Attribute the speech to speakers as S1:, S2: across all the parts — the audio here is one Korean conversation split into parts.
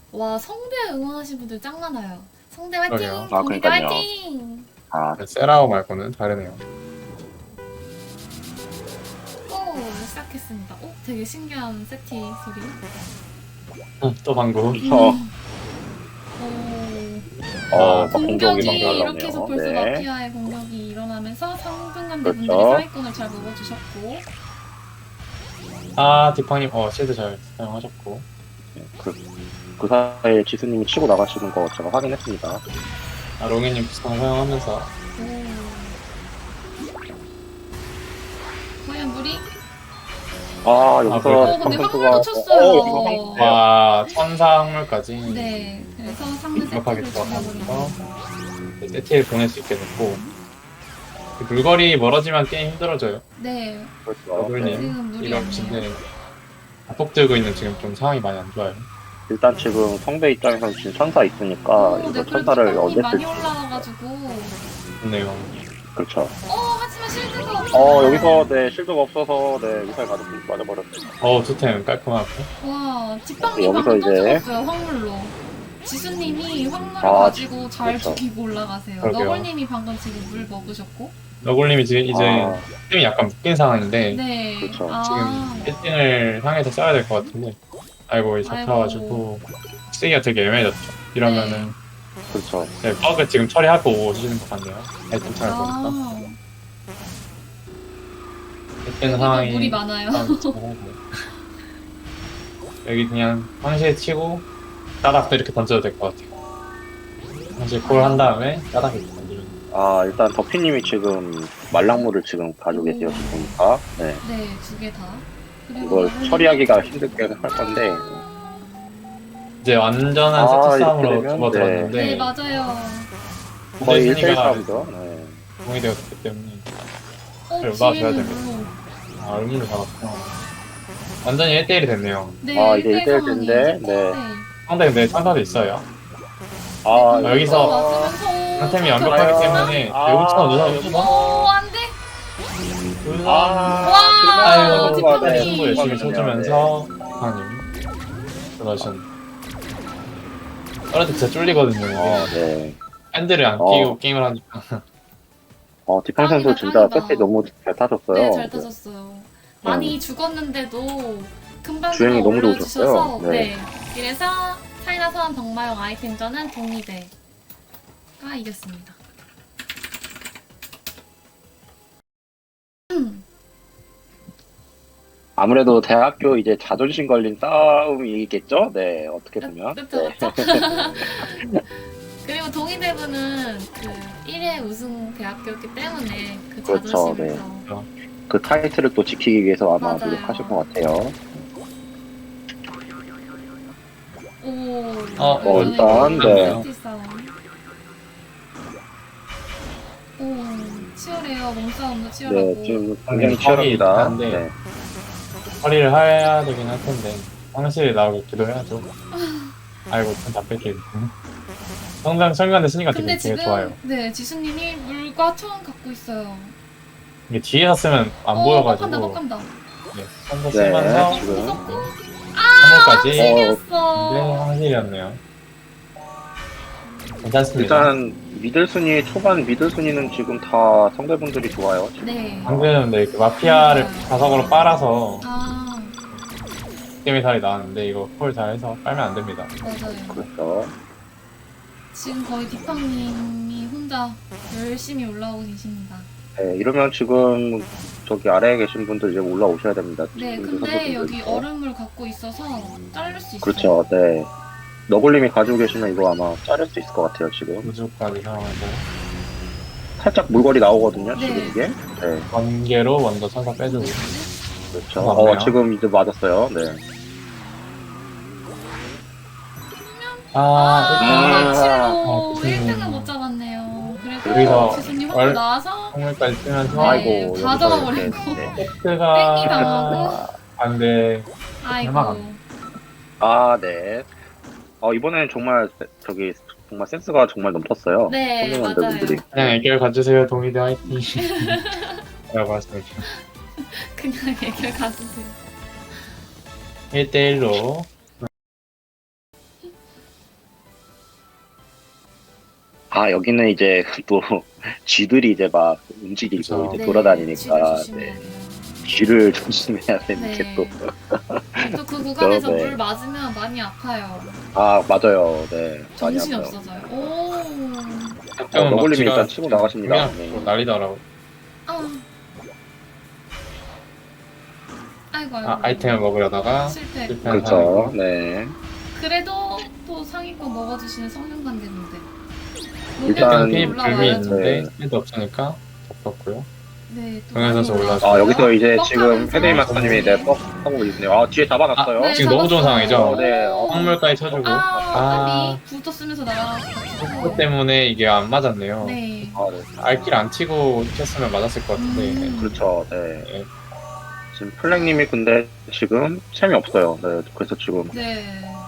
S1: 와, 성대 응원하시는 분들 짱 많아요. 성대
S2: 그러게요.
S1: 화이팅!
S3: 아,
S1: 동대
S3: 그러니까요.
S1: 화이팅!
S3: 아,
S2: 세라오 말고는 다르네요.
S1: 오, 시작했습니다. 오, 되게 신기한 세티 소리.
S2: 또 방구.
S3: 어,
S1: 오,
S3: 막 공격이 막
S1: 이렇게 해서
S3: 날라오네요.
S1: 벌써
S3: 네.
S1: 마피아의 공격이 일어나면서 상등간대
S3: 그렇죠.
S1: 분들이 사기꾼을 잘 먹어주셨고.
S2: 아, 디팡님, 실드 잘 사용하셨고.
S3: 그 사이에 지수님이 치고 나가시는 거 제가 확인했습니다.
S2: 아, 롱이님 부상 사용하면서.
S1: 오. 과연 물이?
S3: 아, 여기서
S1: 근데
S3: 선수가
S1: 황물도 쳤어요.
S3: 이거 황-
S2: 와, 천사 항물까지.
S1: 네, 그래서 상대
S2: 완벽하게
S1: 세트를
S2: 들어가면서
S1: 죽여버리고.
S2: 세티에 보낼 수 있게 됐고. 물거리 멀어지면 게임 힘들어져요.
S1: 네,
S3: 그렇죠.
S2: 더블님,
S1: 지금 물이
S2: 이런
S1: 없네요.
S2: 진짜 압폭 들고 있는 지금 좀 상황이 많이 안 좋아요.
S3: 일단 지금 성배 입장에서는 지금 천사 있으니까
S1: 오,
S3: 이거
S1: 네, 그래도
S3: 천사를
S1: 이
S3: 언제
S1: 많이
S3: 쓸지.
S1: 올라와가지고.
S2: 좋네요.
S3: 그렇죠.
S1: 하지만 실드가 없어.
S3: 여기서 네 실드가 없어서 네 미사일 가득 맞아버렸어요.
S2: 투템 깔끔하고.
S1: 와, 뒷방님
S3: 여기서
S1: 방금 또
S3: 이제-
S1: 죽었어요, 황물로. 지수님이 황물을
S3: 아,
S1: 가지고 잘
S3: 그렇죠.
S1: 죽이고 올라가세요.
S2: 그러게요.
S1: 너걸님이 방금 지금 물 먹으셨고.
S2: 너굴님이 지금 이제
S3: 아,
S2: 팀이 약간 묶인 상황인데
S1: 네.
S3: 그렇죠.
S1: 아,
S2: 지금 1등을 향해서 써야 될 것 같은데 아이고 잡혀가지고 쓰기가 되게 애매해졌죠. 이러면은
S3: 그렇죠.
S2: 네, 버그 지금 처리하고 오시는 것 같네요. 아이템 잘 보니까
S1: 아.
S2: 1등
S1: 여기도
S2: 상황이
S1: 물이 많아요.
S2: 여기 그냥 황실 치고 따닥도 이렇게 던져도 될 것 같아요. 황실 콜 한 다음에 따닥 이렇게 던지면
S3: 아 일단 더피님이 지금 말랑물을 지금 가지고 계세요. 지금 보니까 네
S1: 네, 두 개 다. 그리고
S3: 이걸
S1: 너걸님이-
S3: 처리하기가 힘들게 할 건데
S2: 이제 완전한
S3: 아,
S2: 세트
S3: 이렇게
S2: 싸움으로
S3: 되면,
S2: 접어들었는데
S1: 네, 맞아요.
S3: 거의
S2: 근데
S3: 1대1
S2: 순위가
S3: 싸움이죠. 네.
S2: 공이 되었기 때문에
S1: 어,
S2: 놔줘야
S1: 뒤에는
S2: 됩니다.
S1: 물로.
S2: 아, 의무를 잡았구나. 완전히 1대1이 됐네요.
S1: 네,
S3: 아, 이제
S1: 1대1
S3: 1대1
S1: 상황이에요.
S3: 인데, 네.
S2: 상대 근데 천사도 있어요.
S3: 아
S2: 여기서 상템이 완벽하기 때문에
S3: 아,
S1: 오, 안 돼.
S2: 우선
S1: 와,
S2: 아이고
S1: 뒷판이.
S2: 승부 열심히 쳐주면서 디팡님 그러셨네. 떨어져 진짜 쫄리거든요. 이게.
S3: 네.
S2: 핸들을 안
S3: 어.
S2: 끼고 게임을 하니까.
S3: 디팡 선수
S1: 짱이다,
S3: 진짜
S1: 짱이다.
S3: 세트 너무 잘 타셨어요.
S1: 네, 잘 타셨어요. 많이 죽었는데도 금방
S3: 주행이 너무
S1: 올려주셔서
S3: 좋으셨어요.
S1: 네.
S3: 네.
S1: 그래서 차이나 소환 병마용 아이템전은 동리대가 이겼습니다.
S3: 아무래도 대학교 이제 자존심 걸린 싸움이겠죠? 네, 어떻게 보면.
S1: 그쵸,
S3: 네.
S1: 그쵸. 그리고 동의대부는 그 1회 우승 대학교였기 때문에 그
S3: 그렇죠,
S1: 자존심에서
S3: 그 타이틀을 또 지키기 위해서 아마
S1: 맞아요.
S3: 노력하실 것 같아요.
S1: 오,
S3: 일단, 네.
S1: 세티 싸움. 오, 치열해요. 몸싸움도 치열하고.
S3: 네, 지금 굉장히
S2: 턱이
S3: 치열합니다.
S2: 있는데.
S3: 네.
S2: 처리를 해야 되긴 할 텐데 황실이 나오고 기도해야죠. 아이고 다 뺏기네. 성장 설명대 쓰니까
S1: 근데
S2: 되게
S1: 지금
S2: 좋아요.
S1: 네, 지수님이 물과 총 갖고 있어요.
S2: 이게 뒤에서 쓰면 안
S1: 뻑간다,
S2: 보여가지고
S1: 뻑간다.
S2: 네, 선서
S3: 네,
S2: 쓰면서
S3: 지금.
S1: 무섭고
S2: 선물까지 네,
S1: 찔렸어.
S2: 황실이었네요. 괜찮습니다.
S3: 일단 미들 순위 초반 미들 순위는 지금 다 성대분들이 좋아요. 지금.
S1: 네.
S2: 방금 네, 그 마피아를 자석으로 빨아서
S1: 아,
S2: 게임의 살이 나왔는데 이거 콜 잘해서 빨면 안 됩니다.
S1: 맞아요.
S3: 그렇죠.
S1: 지금 거의 디팡님이 혼자 열심히 올라오고 계십니다.
S3: 네, 이러면 지금 저기 아래에 계신 분들 이제 올라오셔야 됩니다.
S1: 네,
S3: 지금
S1: 근데
S3: 선수분들.
S1: 여기 얼음물 갖고 있어서 자를 수 있어요.
S3: 그렇죠. 네. 너굴님이 가지고 계시면 이거 아마 자를 수 있을 것 같아요. 지금
S2: 우주까지 사용해서
S3: 살짝 물거리 나오거든요.
S1: 네.
S3: 지금 이게. 네.
S2: 번개로 먼저 천사 빼주고
S3: 그렇죠.
S2: 맞네요.
S3: 지금 이제 맞았어요. 네.
S1: 아,
S3: 아,
S1: 1치로 1등은 못 잡았네요. 그래도
S2: 여기서
S1: 지수님 혼자 나와서
S2: 선물까지 쓰면서
S1: 네,
S3: 아이고
S1: 다
S3: 여기서
S1: 잡아버리고.
S3: 이렇게, 네.
S1: 땡기
S2: 세트가
S1: 당하고.
S2: 안돼.
S1: 아이고.
S2: 대박이네.
S3: 아, 네. 이번에는 정말 저기 정말 센스가 정말 넘쳤어요.
S1: 네,
S3: 선생님들분들이.
S1: 맞아요.
S2: 그냥 애결 가주세요 동의대 화이팅. 라고 하시면
S1: 그냥 애결 가주세요.
S2: 1대1로
S3: 아, 여기는 이제 또 쥐들이 이제 막 움직이고
S2: 그쵸.
S3: 이제 돌아다니니까
S1: 쥐를
S3: 네,
S1: 조심해야 돼요.
S3: 쥐를 조심해야 되는 게
S1: 네.
S3: 또.
S1: 또 그 구간에서
S3: 네.
S1: 물 맞으면 많이 아파요.
S3: 아, 맞아요. 네. 많이
S1: 정신이
S3: 아파요.
S1: 없어져요. 오.
S2: 가끔은 막
S3: 너굴님이
S2: 쥐가
S3: 일단 치고 나가십니다.
S2: 그냥
S3: 네.
S2: 또 난리더라고.
S1: 아. 아이고 아이고.
S2: 아, 아이템을 먹으려다가
S1: 실패.
S2: 실패한
S3: 그렇죠.
S2: 사람이고.
S3: 네.
S1: 그래도 또 상위권 먹어주시는 성능관계인데.
S3: 일단
S2: 핀
S1: 올라와야죠.
S2: 불미 있는데
S3: 네.
S2: 필드 없으니까 덮었고요.
S1: 네, 또
S2: 동현 선수
S1: 많이
S2: 올라왔어요.
S3: 아, 여기서 이제
S1: 뻑
S3: 지금
S1: 하면서.
S3: 헤데이 마스터님이 네, 뻑 하고 있네요. 아, 뒤에 잡아놨어요.
S1: 네,
S2: 지금 너무 좋은
S1: 잡았어요.
S2: 상황이죠?
S3: 네,
S2: 황물까지 쳐주고.
S1: 아, 까비. 부터 쓰면서
S2: 그것
S1: 날아갔고.
S2: 때문에 이게 안 맞았네요.
S1: 네.
S3: 아, 네.
S2: 알길 안 치고 쳤으면 맞았을 것 같은데.
S3: 그렇죠. 네.
S2: 네.
S3: 지금 플랭님이 근데 지금 챔이 없어요. 네. 그래서 지금
S1: 네.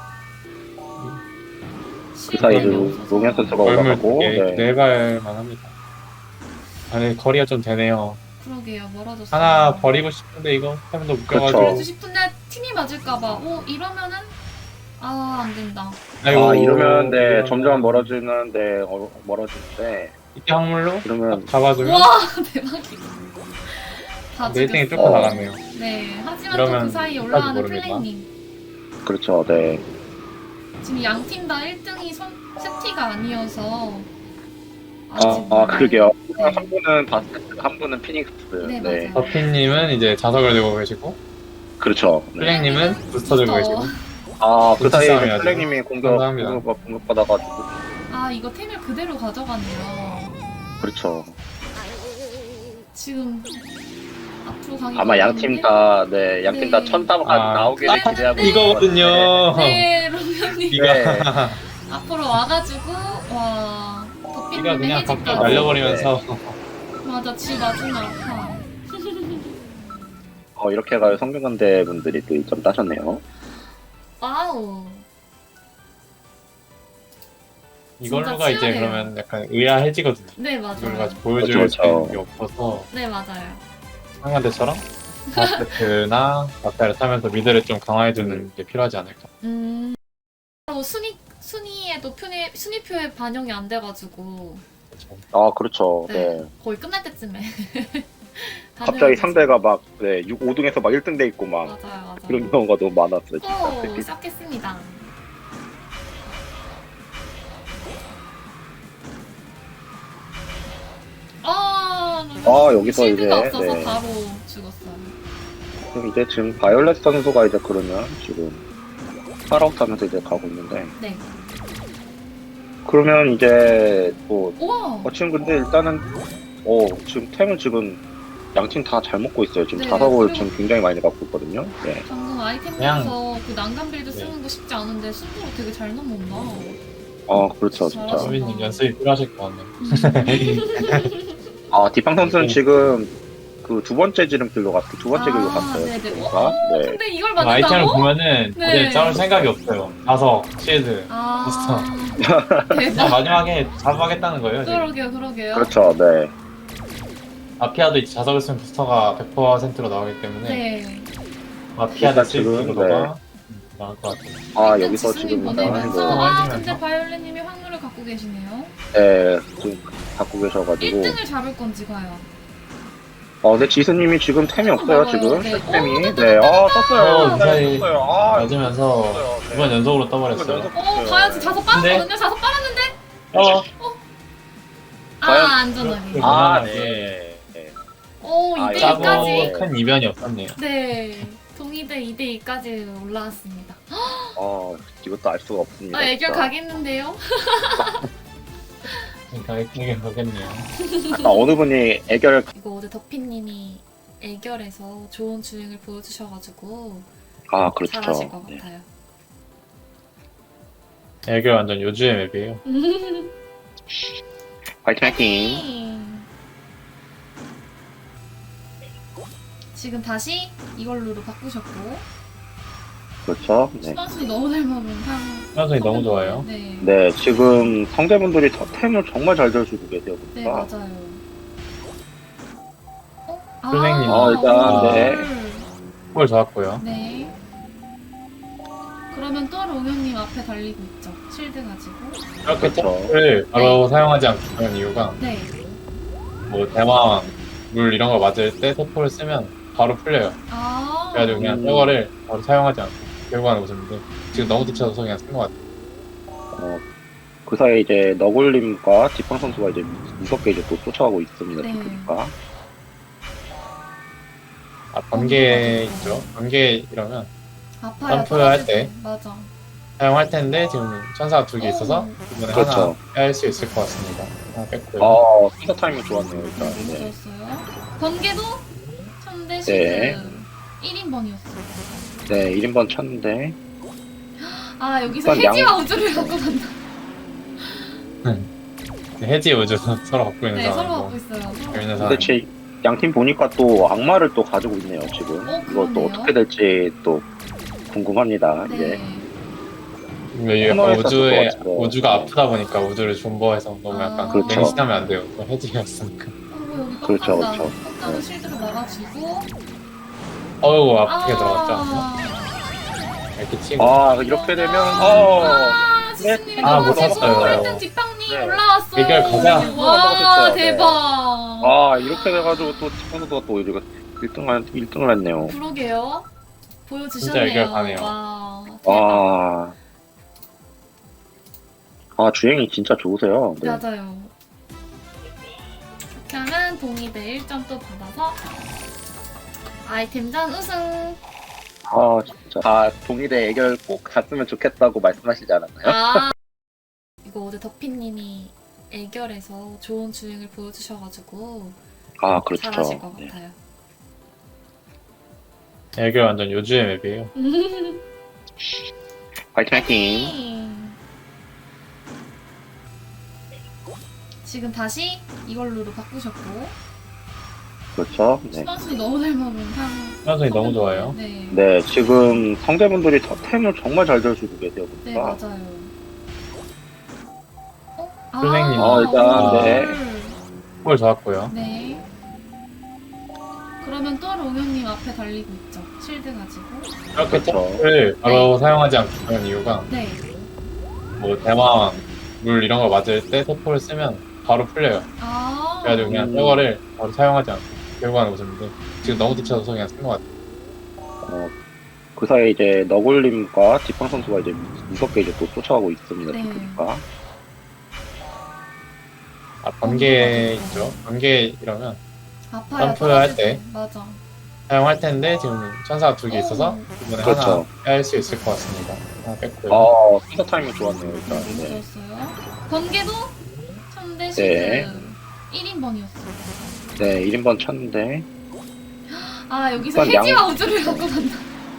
S3: 그 사이에
S1: 시간이
S3: 노면
S1: 없어서.
S3: 선수가
S2: 얼물
S3: 올라가고.
S2: 네.
S3: 네.
S2: 발만 합니다. 아니, 거리가 좀 되네요.
S1: 그러게요, 멀어졌어요.
S2: 하나 버리고 싶은데 이거 템도 묶여가지고.
S3: 그렇죠.
S1: 그래도 싶은데 팀이 맞을까봐. 오, 이러면은 안 된다.
S3: 아, 이러면 네,
S2: 이러면
S3: 점점 멀어지는데, 멀어지는데,
S2: 이때 확물로
S3: 그러면,
S2: 딱 잡아주면
S1: 와, 대박이다. 다
S2: 네 1등이
S1: 죽였어.
S2: 뚫고 나갔네요.
S1: 네, 하지만 또
S2: 이러면
S1: 그 사이에
S2: 끝까지
S1: 올라가는
S2: 모릅니다.
S1: 플레이님.
S3: 그렇죠. 네.
S1: 지금 양 팀 다 1등이 세티가 아니어서.
S3: 그러게요.
S1: 네.
S3: 한 분은 바스켓, 한 분은 피닉스.
S1: 네,
S3: 네.
S1: 맞아요.
S2: 버핀님은 이제 자석을 들고 계시고,
S3: 그렇죠. 네.
S2: 플랭님은 부스터 들고 계시고.
S3: 아, 그 사이에
S2: 싸움이야죠.
S3: 플랭님이
S2: 감사합니다.
S3: 공격받아가지고.
S1: 이거 템을 그대로 가져갔네요.
S3: 그렇죠.
S1: 지금 앞으로 가기
S3: 아마 양팀 다, 네, 양팀 다
S1: 네.
S3: 천담까지
S2: 아,
S3: 나오기를
S1: 그랬는데-
S3: 기대하고.
S2: 이거거든요.
S1: 네, 로면님
S2: 이거
S3: 네.
S1: 앞으로 와가지고 와
S2: 이거
S1: 덕빈님의
S2: 그냥
S1: 해집까지.
S2: 밖으로 날려버리면서
S1: 맞아, 지 맞으면 아파.
S3: 이렇게 해가지고 성균관대 분들이 또 2점 따셨네요.
S1: 와우.
S2: 이걸로가 이제
S1: 치열해요.
S2: 그러면 약간 의아해지거든요.
S1: 네,
S2: 이걸로
S1: 맞아요.
S2: 같이 보여줄
S3: 그렇죠,
S2: 수 있는
S3: 그렇죠.
S2: 게 없어서
S1: 네, 맞아요.
S2: 상관대처럼 바스켓나 박다를 타면서 미드를 좀 강화해주는 게 필요하지 않을까.
S1: 순위에도 순위표에 반영이 안 돼가지고
S2: 그렇죠.
S3: 아, 그렇죠.
S1: 네.
S3: 네.
S1: 거의 끝날 때쯤에.
S3: 갑자기 상대가 막, 네, 5등에서 막 1등 돼 있고 막,
S1: 맞아요, 맞아요.
S3: 그런 경우가 너무 많았어요, 진짜.
S1: 오,
S3: 특히.
S1: 시작했습니다.
S3: 여기서
S1: 실드가
S3: 이제,
S1: 없어서
S3: 네.
S1: 바로 죽었어요.
S3: 그럼 이제 지금 바이올렛 선수가 이제 그러면 지금 파라웃 하면서 이제 가고 있는데,
S1: 네.
S3: 그러면 이제 또,
S1: 우와.
S3: 지금 근데 일단은, 지금 템을 지금 양팀 다 잘 먹고 있어요. 지금
S1: 네,
S3: 자석을
S1: 그리고-
S3: 지금 굉장히 많이 갖고 있거든요. 네.
S1: 방금 아이템에서 그 난간 빌드 쓰는 거 쉽지 않은데 순서로 되게 잘 넘어온다.
S3: 그렇죠, 진짜.
S1: 잘하시네.
S2: 수빈님 연습이 필요하실 것 같네요.
S3: 디팡 선수는 지금 그 두 번째 지름길로 두 번째 길로 갔어요.
S1: 네네.
S3: 그러니까. 네.
S1: 근데 이걸
S2: 그 아이템을
S1: 맞는다고?
S2: 보면은
S1: 네.
S2: 도저히 싸울 생각이 없어요. 자석, 실드. 그냥
S1: 대박.
S2: 마지막에 잡아가겠다는 거예요. 지금.
S1: 그러게요.
S3: 그렇죠, 네.
S2: 마피아도 이제 자석을 쓰면 부스터가 100%로 나오기 때문에
S1: 네.
S2: 마피아도
S3: 일단 지금,
S2: 실드로가 나올 것 같아요.
S3: 여기서
S1: 지수님
S3: 지금
S1: 보내면서
S2: 나가는 거.
S1: 근데 바이올렛님이 확률을 갖고 계시네요.
S3: 네, 지금 갖고 계셔가지고.
S1: 1등을 잡을 건지 과연.
S3: 근데 지수님이 지금 템이 없어요,
S1: 맞아요.
S3: 지금.
S1: 네.
S3: 템이. 네, 떴어요.
S2: 무사히
S3: 떴어요.
S2: 맞으면서
S3: 떴어요. 네.
S2: 2번 연속으로
S3: 이번
S2: 떠버렸어요.
S3: 연속
S1: 가야지. 자석 빨았거든요. 자석 빨았는데.
S2: 어,
S3: 과연?
S1: 안전하게.
S3: 네. 네.
S1: 오,
S3: 아,
S1: 2대
S3: 짜고
S1: 2까지.
S2: 큰 이변이 없었네요.
S1: 네. 동의대 2대 2까지 올라왔습니다.
S3: 이것도 알 수가 없습니다.
S1: 애결
S3: 진짜.
S1: 가겠는데요?
S2: 그러니까 이게 그겠네요.
S3: 어느 분이 애결,
S1: 이거 어제 덕피님이 애결에서 좋은 주행을 보여주셔가지고
S3: 그렇죠.
S1: 잘하실 것
S3: 네.
S1: 같아요.
S2: 애교 완전 요주의 맵이에요.
S3: 화이팅, 화이팅.
S1: 지금 다시 이걸로로 바꾸셨고
S3: 그렇죠. 네.
S1: 수반순이 너무 잘 먹은
S2: 수반순이 너무 좋아요.
S1: 네.
S3: 네, 지금 성대분들이 템을 정말 잘 들어주고 계세요.
S1: 네,
S3: 보니까.
S1: 맞아요.
S2: 선생님.
S3: 일단, 네.
S1: 헐.
S2: 볼 좋았고요.
S1: 네. 그러면 또 롱형님 앞에 달리고 있죠. 실드 가지고.
S2: 이렇게
S3: 그렇죠.
S2: 점프를 바로 사용하지 않고 그런 이유가
S1: 네.
S2: 뭐 대망 물 이런 거 맞을 때 세포를 쓰면 바로 풀려요.
S1: 아.
S2: 그래가지고 그냥 저거를 바로 사용하지 않고 결국 하는 모습인데 지금 너무 뒤쳐서 그냥 쓴 것 같아요.
S3: 그 사이에 이제 너굴님과 지팡 선수가 이제 무섭게 이제 또 쫓아가고 있습니다.
S1: 네.
S3: 지금까.
S2: 아, 번개 있죠? 번개 이러면
S1: 아파요.
S2: 점프할
S1: 떨어질
S2: 때.
S1: 맞아.
S2: 사용할 텐데 지금 천사가 두 개 있어서 이번에
S3: 그렇죠.
S2: 하나 뺄 수 있을 것 같습니다. 하나 뺐고요.
S3: 피서 타이밍 좋았네요, 일단.
S1: 너무
S3: 네.
S1: 좋았어요. 번개도 천대 실드
S3: 네.
S1: 1인번이었어요.
S3: 네, 1인번 쳤는데.
S1: 아 여기서
S3: 일단
S1: 해지와 우주를 갖고 간다.
S2: 해지 우주 서로 갖고 있는
S1: 네 서로
S2: 상황이고
S1: 갖고 있어요. 서로.
S2: 재밌는
S3: 근데
S2: 상황.
S3: 제 양팀 보니까 또 악마를 또 가지고 있네요, 지금. 이거 또
S1: 그러네요.
S3: 어떻게 될지 또 궁금합니다,
S1: 네.
S3: 이제.
S2: 이게 약간
S3: 코너에서
S2: 우주에
S3: 또 같이
S2: 우주가
S3: 네.
S2: 아프다 보니까 우주를 존버해서 너무 약간
S3: 그렇죠.
S2: 맹신하면 안 돼요. 또 해지였으니까.
S1: 여기
S3: 그렇죠,
S1: 빡간다.
S3: 그렇죠.
S1: 빡간은 실드를 막아주고.
S2: 어우 아프게 들어갔죠. 이렇게 치고.
S3: 아, 이렇게 되면,
S1: 스스님이
S3: 아,
S1: 너무
S3: 못
S1: 제공
S2: 잡았어요.
S1: 1등 지팡님
S3: 네.
S1: 올라왔어요.
S2: 대결 가자.
S1: 와
S3: 넘어갔어요. 네.
S1: 대박.
S3: 아, 이렇게 돼가지고 또 지팡 선수가 또 이거 1등을 했네요.
S1: 그러게요. 보여주셨네요.
S2: 진짜 이걸 가네요.
S1: 와 대박.
S3: 주행이 진짜 좋으세요. 네.
S1: 맞아요. 이렇게 하면 동의대 1점 또 받아서 아이템전 우승.
S3: 진짜. 동의대 애결 꼭 갔으면 좋겠다고 말씀하시지 않았나요?
S1: 아 이거 어제 덕피님이 애결에서 좋은 주행을 보여주셔가지고
S3: 그렇죠.
S1: 잘하실 것
S3: 네.
S1: 같아요.
S2: 이게 완전 요주의 맵이에요.
S3: 화이팅!
S1: 지금 다시 이걸로로 바꾸셨고
S3: 그렇죠. 네.
S1: 수반순이 너무 잘 먹은 상.
S2: 수반순이 너무 좋아요.
S1: 네.
S3: 네, 지금 성대분들이 템을 정말 잘 들어주고 계세요.
S1: 네
S3: 보니까.
S1: 맞아요.
S2: 선생님.
S3: 일단, 네.
S2: 홀 좋았고요.
S1: 네. 그러면 또 롱형님 앞에 달리고 있죠. 실드 가지고.
S2: 이렇게
S3: 그렇죠.
S2: 점프를 바로 사용하지 않고 그런 이유가
S1: 네.
S2: 뭐 대망 물 이런 거 맞을 때 세포를 쓰면 바로 풀려요.
S1: 아.
S2: 그래가지고 그냥 저거를 바로 사용하지 않고 결국 하는 모습인데 지금 너무 뒤쳐서 그냥 쓴 것 같아요.
S3: 그 사이에 이제 너굴님과 지팡 선수가 이제 무섭게 이제 또 쫓아가고 있습니다.
S1: 네.
S3: 지금까.
S2: 아, 번개 있죠? 번개 이러면
S1: 아파요.
S2: 점프할
S1: 떨어질
S2: 때.
S1: 맞아.
S2: 사용할 텐데 지금 천사가 두 개 있어서 이번에
S3: 그렇죠.
S2: 하나 뺄 수 있을 것 같습니다. 하나 뺐고요.
S3: 피서 타이밍 좋았네요, 일단.
S1: 너무
S3: 네.
S1: 좋았어요. 번개도 천대 실드
S3: 네.
S1: 1인번이었어요.
S3: 네, 1인번 쳤는데.
S1: 아 여기서
S3: 일단
S1: 해지와 우주를 갖고 간다.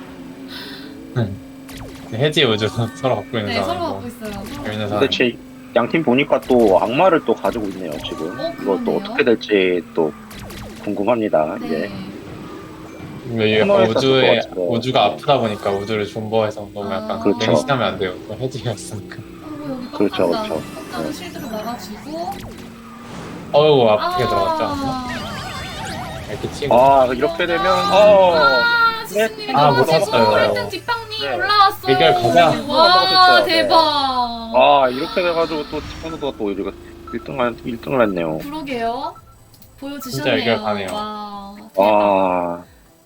S2: 해지 우주 서로 갖고 있는
S1: 네 서로
S2: 상황이고
S1: 갖고 있어요. 서로.
S2: 재밌는
S3: 근데
S2: 상황.
S3: 제 양팀 보니까 또 악마를 또 가지고 있네요, 지금. 이거 또
S1: 그러네요.
S3: 어떻게 될지 또 궁금합니다, 이제.
S1: 네.
S2: 이게 약간
S3: 코너에서
S2: 우주에
S3: 또 같이
S2: 우주가
S3: 네.
S2: 아프다 보니까 우주를 존버해서 너무 약간
S3: 그렇죠.
S2: 맹신하면 안 돼요. 또 해지였으니까.
S1: 여기
S3: 그렇죠,
S1: 빡간다.
S3: 그렇죠.
S1: 빡간은 실드를 막아주고.
S2: 어우 아프게 들어갔죠. 이렇게 치고.
S3: 이렇게 되면,
S1: 스스님이
S2: 아,
S1: 너무
S2: 못
S1: 제공
S2: 잡았어요.
S1: 1등 지팡님
S3: 네.
S1: 올라왔어요.
S2: 대결 가자.
S1: 와
S3: 넘어갔어요. 네.
S1: 대박.
S3: 이렇게 돼가지고 또 지팡 선수가 또 이거 1등을 했네요.
S1: 그러게요.
S2: 진짜
S1: 보여주셨네요.
S2: 이걸 가네요.
S1: 와 대박.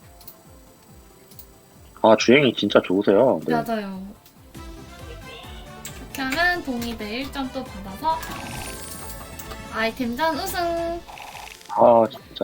S3: 주행이 진짜 좋으세요. 네.
S1: 맞아요. 이렇게 하면 동의대 1점 또 받아서 아이템전 우승.
S3: 진짜.